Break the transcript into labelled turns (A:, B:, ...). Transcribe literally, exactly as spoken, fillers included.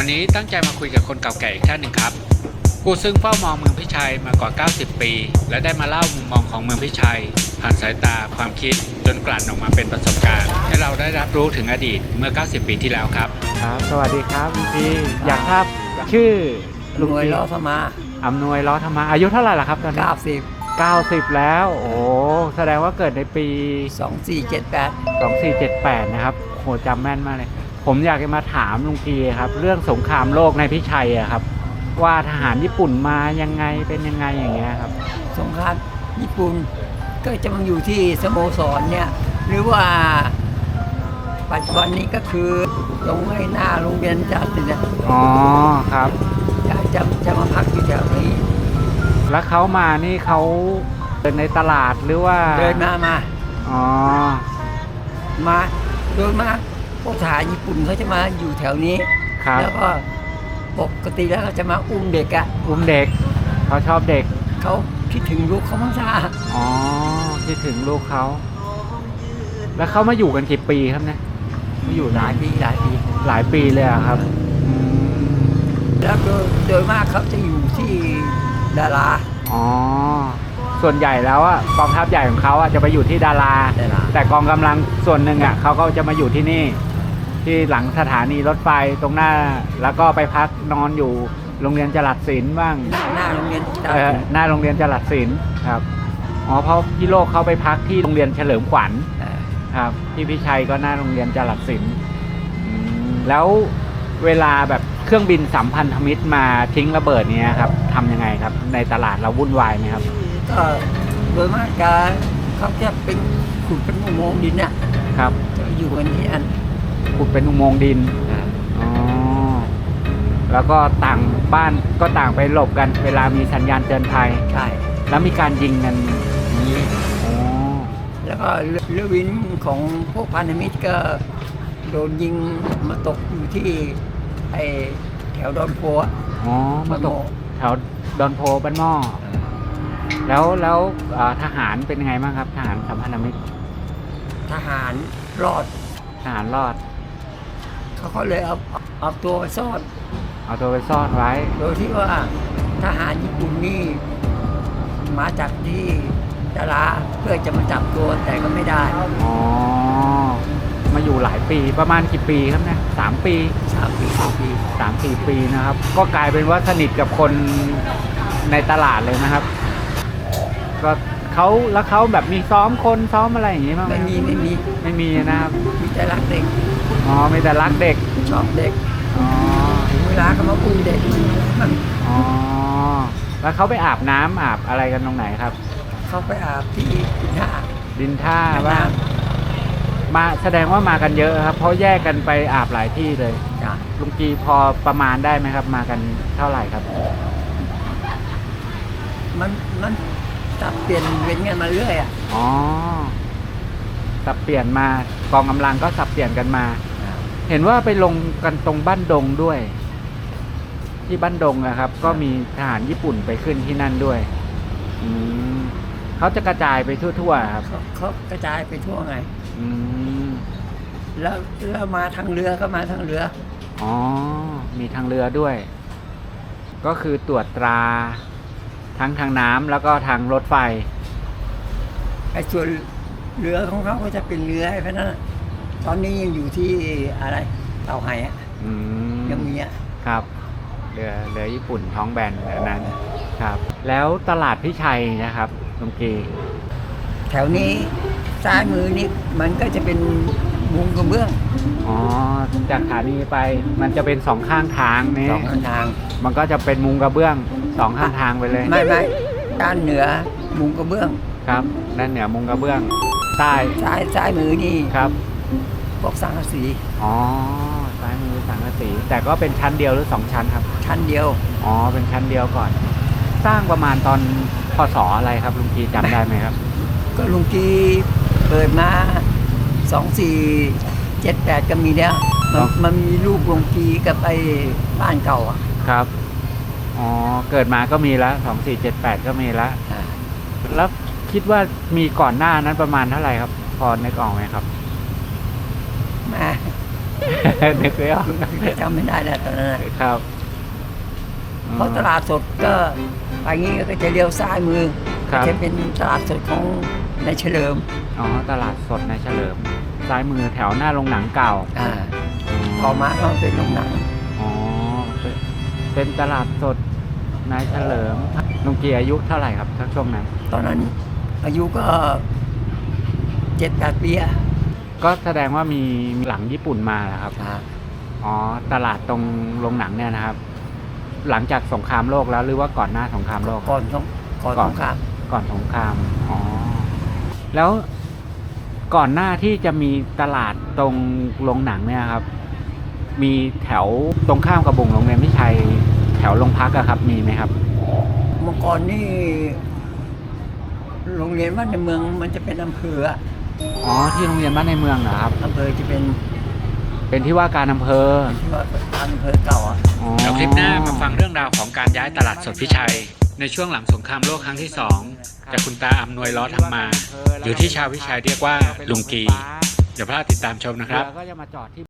A: นี้ตั้งใจมาคุยกับคนเก่าแก่อีกท่านหนึ่งครับผู้ซึ่งเฝ้ามองเมืองพิชัยมากว่าเก้าสิบปีและได้มาเล่ามุมมองของเมืองพิชัยผ่านสายตาความคิดจนกลั่นออกมาเป็นประสบการณ์ให้เราได้รับรู้ถึงอดีตเมื่อเก้าสิบปีที่แล้วครับ
B: ครับสวัสดีครับลุงพีอยากทราบชื่อ
C: ลุงนวยล้อธรรมะ
B: อำนวยล้อธรรมะอายุเท่าไหร่ล่ะครับตอนนี้
C: เก้าสิบ
B: เก้าสิบแล้วโอ้แสดงว่าเกิดในปี
C: สองสี่เจ็ดแปด
B: สองสี่เจ็ดแปดนะครับโหจำแม่นมากเลยผมอยากจะมาถามลุงพีครับเรื่องสงครามโลกในพิชัยอะครับว่าทหารญี่ปุ่นมายังไงเป็นยังไงอย่างเงี้ยครับ
C: สงครามญี่ปุ่นก็จะมาอยู่ที่สโมสรเนี่ยหรือว่าปัจจุบันนี้ก็คือตรงให้หน้าโรงเรียนจัดเนี่ย
B: อ๋อครับ
C: จะจะจะมาพักอยู่แถวนี้
B: แล้วเขามานี่เขาเดินในตลาดหรือว่า
C: เดินมามา
B: อ๋อ
C: มาโดยมากพวกทหารญี่ปุ่นเขาจะมาอยู่แถวนี้แล้วก็ปกติแล้วเขาจะมาอุ้มเด็กอะ
B: อุ้มเด็กเขาชอบเด็ก
C: เขาคิดถึงลูกเขามั้งซ่า
B: อ๋อคิดถึงลูกเขาแล้วเขามาอยู่กันกี่ปีครับเนี่ย
C: มาอยู่หลายปีหลายปี
B: หลายปีเลยครับ
C: แล้วโดยโดยมากเขาจะอยู่ที่ดารา
B: อ๋อส่วนใหญ่แล้วอ่ะกองทัพใหญ่ของเขาอ่ะจะไปอยู่ที่ดาราแต่กองกำลังส่วนหนึ่งอ่ะเขาก็จะมาอยู่ที่นี่ที่หลังสถานีรถไฟตรงหน้าแล้วก็ไปพักนอนอยู่โรงเรียนจรัสศิลป์บ้าง
C: หน้าโรงเรียน
B: เออหน้าโรงเรียนจรัสศิลป์ครับอ๋อเพราะพี่โลกเขาไปพักที่โรงเรียนเฉลิมขวัญครับที่พิชัยก็หน้าโรงเรียนจรัสศิลป์แล้วเวลาแบบเครื่องบินสัมพันธมิตรมาทิ้งระเบิดเนี้ยครับทำยังไงครับในตลาดเราวุ่นวายไหมครับ
C: ก็โดยมากการเขาจะเป็นขุดเป็นอุโมงค์ดินเนี่ย
B: ครับ
C: อยู่กันที่อัน
B: ขุดเป็นอุโมงค์ดินอ๋อแล้วก็ต่างบ้านก็ต่างไปหลบกันเวลามีสัญญาณเตือนภัย
C: ใช่
B: แล้วมีการยิงกันนี้อ๋อ
C: แล้วก็เรือวินของพวกพันธมิตรก็โดนยิงมาตกอยู่ที่ไอแถวดอนโพ
B: อ๋อมาตกแถวดอนโพบ้านหม้อแล้วแล้วทหารเป็นยังไงบ้างครับทหารสัมพันธมิตร
C: ทหารรอด
B: ทหารรอด
C: เขาก็เลยเอาเอาตัวไปซ่อน
B: เอาตัวไปซ่อนไว้
C: โดยที่ว่าทหารญี่ปุ่นนี่มาจากที่ดาราเพื่อจะมาจับตัวแต่ก็ไม่ได้
B: อ๋อมาอยู่หลายปีประมาณกี่ปีครับเนี่ยสามปี
C: สามปีสามปี
B: สามสี่ปีนะครับก็กลายเป็นว่าสนิทกับคนในตลาดเลยนะครับก็เขาแล้วเขาแบบมีซ้อมคนซ้อมอะไรอย่างงี้มั้ย
C: ไม่มีไม่มี
B: ไม่มีนะครับ
C: มีแต่รักเด็ก
B: อ๋อมีแต่รักเด็ก
C: ชอบเด็ก
B: อ๋อ
C: เวลาเขามาอุ้มเด็กมัน
B: อ๋อแล้วเขาไปอาบน้ำอาบอะไรกันตรงไหนครับ
C: เขาไปอาบที่ดินท่า
B: ดินท่าบ้างมาแสดงว่ามากันเยอะครับเพราะแยกกันไปอาบหลายที่เลยลุงกีพอประมาณได้ไหมครับมากันเท่าไหร่ครับ
C: มันมันสับเปลี่ยนเว้นกันมาเรื่อยอ่ะ
B: อ๋อสับเปลี่ยนมากองกำลังก็สับเปลี่ยนกันมาเห็นว่าไปลงกันตรงบ้านดงด้วยที่บ้านดงนะครับก็มีทหารญี่ปุ่นไปขึ้นที่นั่นด้วยอืมเขาจะกระจายไปทั่วๆครับ
C: เขากระจายไปทั่วไง
B: อืม
C: แล้วแล้วมาทางเรือก็มาทางเรือ
B: อ๋อมีทางเรือด้วยก็คือตรวจตราทั้งทางน้ำแล้วก็ทางรถไฟ
C: ไอ้ส่วนเรือของเขาก็จะเป็นเรือไอ้พวกนั้นตอนนี้ยังอยู่ที่อะไรเต่าไห่อ่ะยังมีอ่ะ
B: ครับเรือเรือญี่ปุ่นท้องแบนแบบนั้นครับแล้วตลาดพิชัยนะครับลุงกี
C: แถวนี้ซ้ายมือนี่มันก็จะเป็นมุงกระเบื้อง
B: อ๋อจากขานี้ไปมันจะเป็นสองข้างทางนี่
C: สองข้างทาง
B: มันก็จะเป็นมุงกระเบื้องสองข้างทางไปเลย
C: ไม่ไม่ด้านเหนือมุงกระเบื้อง
B: ครับด้านเหนือมุงกระเบื้องใต้
C: ซ้ายซ้ายมือนี่
B: ครับ
C: พวกสังกะสี
B: อ๋อซ้ายมือสังกะสีแต่ก็เป็นชั้นเดียวหรือสองชั้นครับ
C: ชั้นเดียว
B: อ๋อเป็นชั้นเดียวก่อนสร้างประมาณตอนพ.ศ.อะไรครับลุงกีจำได้ไหมครับ
C: ก็ลุงกีเปิดมาสองสี่เจ็ดแปดก็มีแล้วมันมันมีรูปลุงกีกับไอ้บ้านเก่าอ่ะ
B: ครับอ๋อเกิดมาก็มีแล้วสองสี่เจ็ดแปดก็มีแล้วแล้วคิดว่ามีก่อนหน้านั้นประมาณเท่าไหร่ครับพอในกล่องไหมครับ
C: มา
B: นึกไม่ออก
C: จำไม่ได้แล้วตอนนั้นน่ะ
B: ครับ
C: เพราะตลาดสดก็ไปงี้ก็จะเลี้ยวซ้ายมือ
B: ครับ
C: จะเป็นตลาดสดของนายเฉลิม
B: อ๋อตลาดสดในเฉลิม ซ้ายมือแถวหน้าโรงหนังเก่า
C: อ่าต่อมาก็เป็นโรงหนัง
B: อ๋อเป็นเป็นตลาดสดนายเฉลิมลุงเกียร์อายุเท่าไหร่ครับทักช่วงนั้น
C: ตอนนั้นอายุก็เจ็ดแปดปีอะ
B: ก็แสดงว่ามีหลังญี่ปุ่นมาเหรอครับ
C: อ่า
B: อ๋อตลาดตรงโรงหนังเนี่ยนะครับ หลังจากสงครามโลกแล้วหรือว่าก่อนหน้าสงครามโลก
C: ก่อนสงก่อน
B: ก่
C: ส
B: อน
C: งคราม
B: ก่อนสงคราม อ๋อ แล้วก่อนหน้าที่จะมีตลาดตรงโรงหนังเนี่ยครับ มีแถวตรงข้ามกับบุงโรงเรียนพิชัยแถวโรงพักอะครับ มีไหมครับ
C: เมื่อก่อนนี่โรงเรียนวัดในเมืองมันจะเป็นอำเภออะ
B: อ๋อที่โรงเรียนบ้านในเมืองเหรอครับ
C: อำเภอจะเป็น
B: เป็นที่ว่าการอำเภอ
C: ที่ว่าอำเภอเก่าอ่ะ
B: อ๋อ
A: เดี๋ยวคลิปหน้ามาฟังเรื่องราวของการย้ายตลาดสดพิชัย ในช่วงหลังสงครามโลกครั้งที่สองจากคุณตาอำนวยล้อทำมา หรือที่ชาวพิชัยเรียกว่าลุงกีอย่าพลาดติดตามชมนะครับ
B: เรือก็จะมาจอดที่